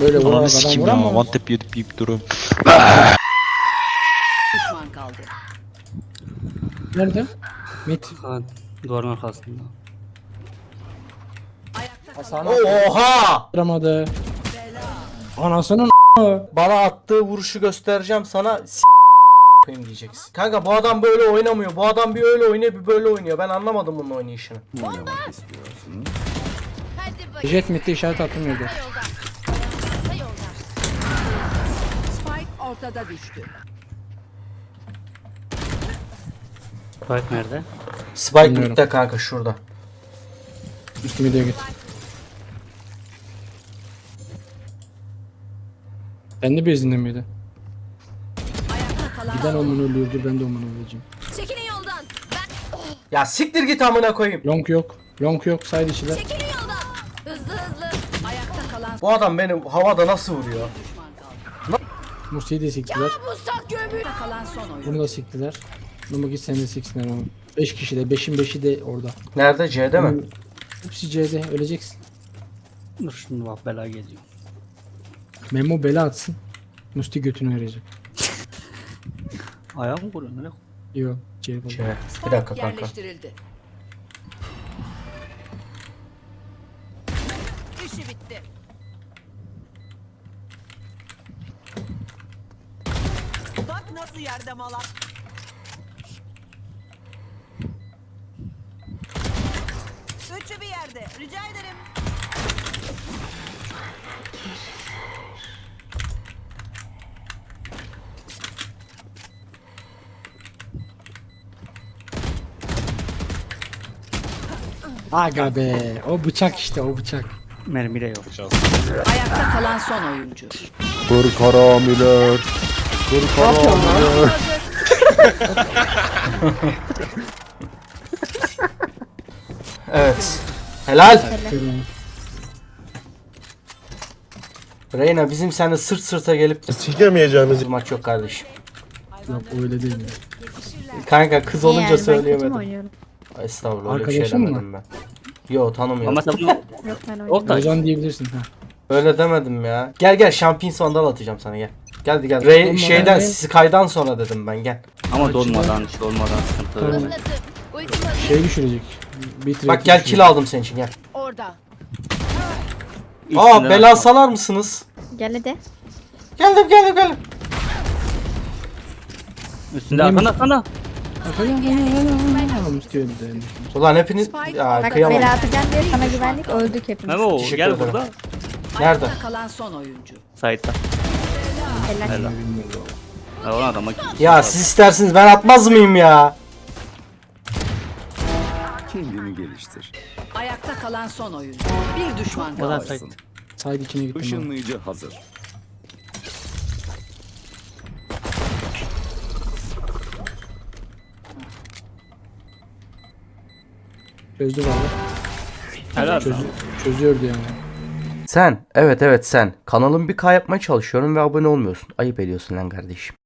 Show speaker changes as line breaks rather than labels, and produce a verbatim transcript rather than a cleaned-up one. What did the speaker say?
Böyle vurarak
Ananı
adam
sikeyim ya.
vuramam.
One tap yedip yiyip duruyorum.
Düşman kaldı.
Nerede? Mit.
Ha, duvarın arkasında.
Ayakta
Hasan
kalan
Oha!
atamadı. Anasının
Bana attığı vuruşu göstereceğim sana. S koyayım diyeceksin. Kanka bu adam böyle oynamıyor. Bu adam bir öyle oynuyor, bir böyle oynuyor. Ben anlamadım bunun oynayışını.
hadi bakayım.
jet mitte işaret attım yerde.
Kısa yoldan. Kısa yoldan. Spike ortada düştü.
Spike nerede?
Spike
Bilmiyorum.
midde kanka şurada.
Üstüme diye git. Sen de bezinde miydi?
Ayakta kalan
Giden omunu öldürdü, ben de omunu öleceğim.
Çekilin yoldan. Ben
Ya siktir git amına koyayım.
Long yok. Long yok. Side içiler.
çekilin yoldan. Hızlı hızlı. Ayakta kalan
Bu adam beni havada nasıl vuruyor?
düşman kaldı.
Musti'yi de siktiler.
Bu sak gömü. Ayakta kalan son oyun.
Bunu da siktiler. Bunu git sen de siksinler onu. beş kişi de. beşin beşi de orada.
Nerede? C'de mi?
Hepsi C'de. Öleceksin.
Dur şimdi bak bela geliyor.
Memo bela atsın. Musti götünü verecek.
Ayağı mı vuruyor? Nereye?
Yok. C var.
C. Bir dakika kanka.
Yerleştirildi. İşi bitti.
Bak nasıl yerde malak. Üçü bir yerde. Rica ederim.
Aga be. O bıçak işte o bıçak.
Mermi de yok.
Ayakta kalan son oyuncu.
Kır karamiler. Kır karamiler.
Evet. Helal. Reyna bizim seninle sırt sırta gelip
Sikemeyeceğimiz.
bir maç yok kardeşim.
Yok öyle değil mi?
Kanka kız olunca
Yani ben kötü mü
söyleyemedim.
oynuyorum?
Estağfurullah öyle bir şey
Arkadaşın mı?
demedim ben. Yo tanımıyorum.
Ama sen bunu
Yok ben oynuyorum.
Oktay.
Ozan diyebilirsin ha.
Öyle demedim ya. Gel gel şampiyon sandal atacağım sana gel. Geldi gel. Ray,
Olmadan
şeyden
ne?
Sky'dan sonra dedim ben gel.
ama dolmadan şey olmadan sıkıntı
Tamam.
verme.
Anladım. Ultim hazır.
Şey düşürecek. Bitrate
Bak gel
düşürecek.
kill aldım senin için gel.
Orada.
Aa
İkisinden
bela
atma.
salar mısınız?
Gel hadi.
Geldim geldim geldim.
Üstünde arkanda arkanda.
Musti öldü.
Ulan hepiniz ya
Bak
kıyamam.
bela atacağım diye sana güvendik öldük hepimiz.
Memo
Teşekkür
gel
ederim.
burada.
Nerede?
Ayakta kalan son oyuncu.
Side'da.
Helal.
Helal. Ya ona adama
Ya siz istersiniz ben atmaz mıyım ya?
Kendini geliştir.
Ayakta kalan son oyuncu. Bir düşman
O da
kaldı.
side.
Side içine gittim. ben.
Işınlayıcı hazır.
Çözdü valla.
Helal.
Çözü, çözüyordu yani.
Sen evet evet sen kanalın bir K yapmaya çalışıyorum ve abone olmuyorsun. Ayıp ediyorsun lan kardeşim.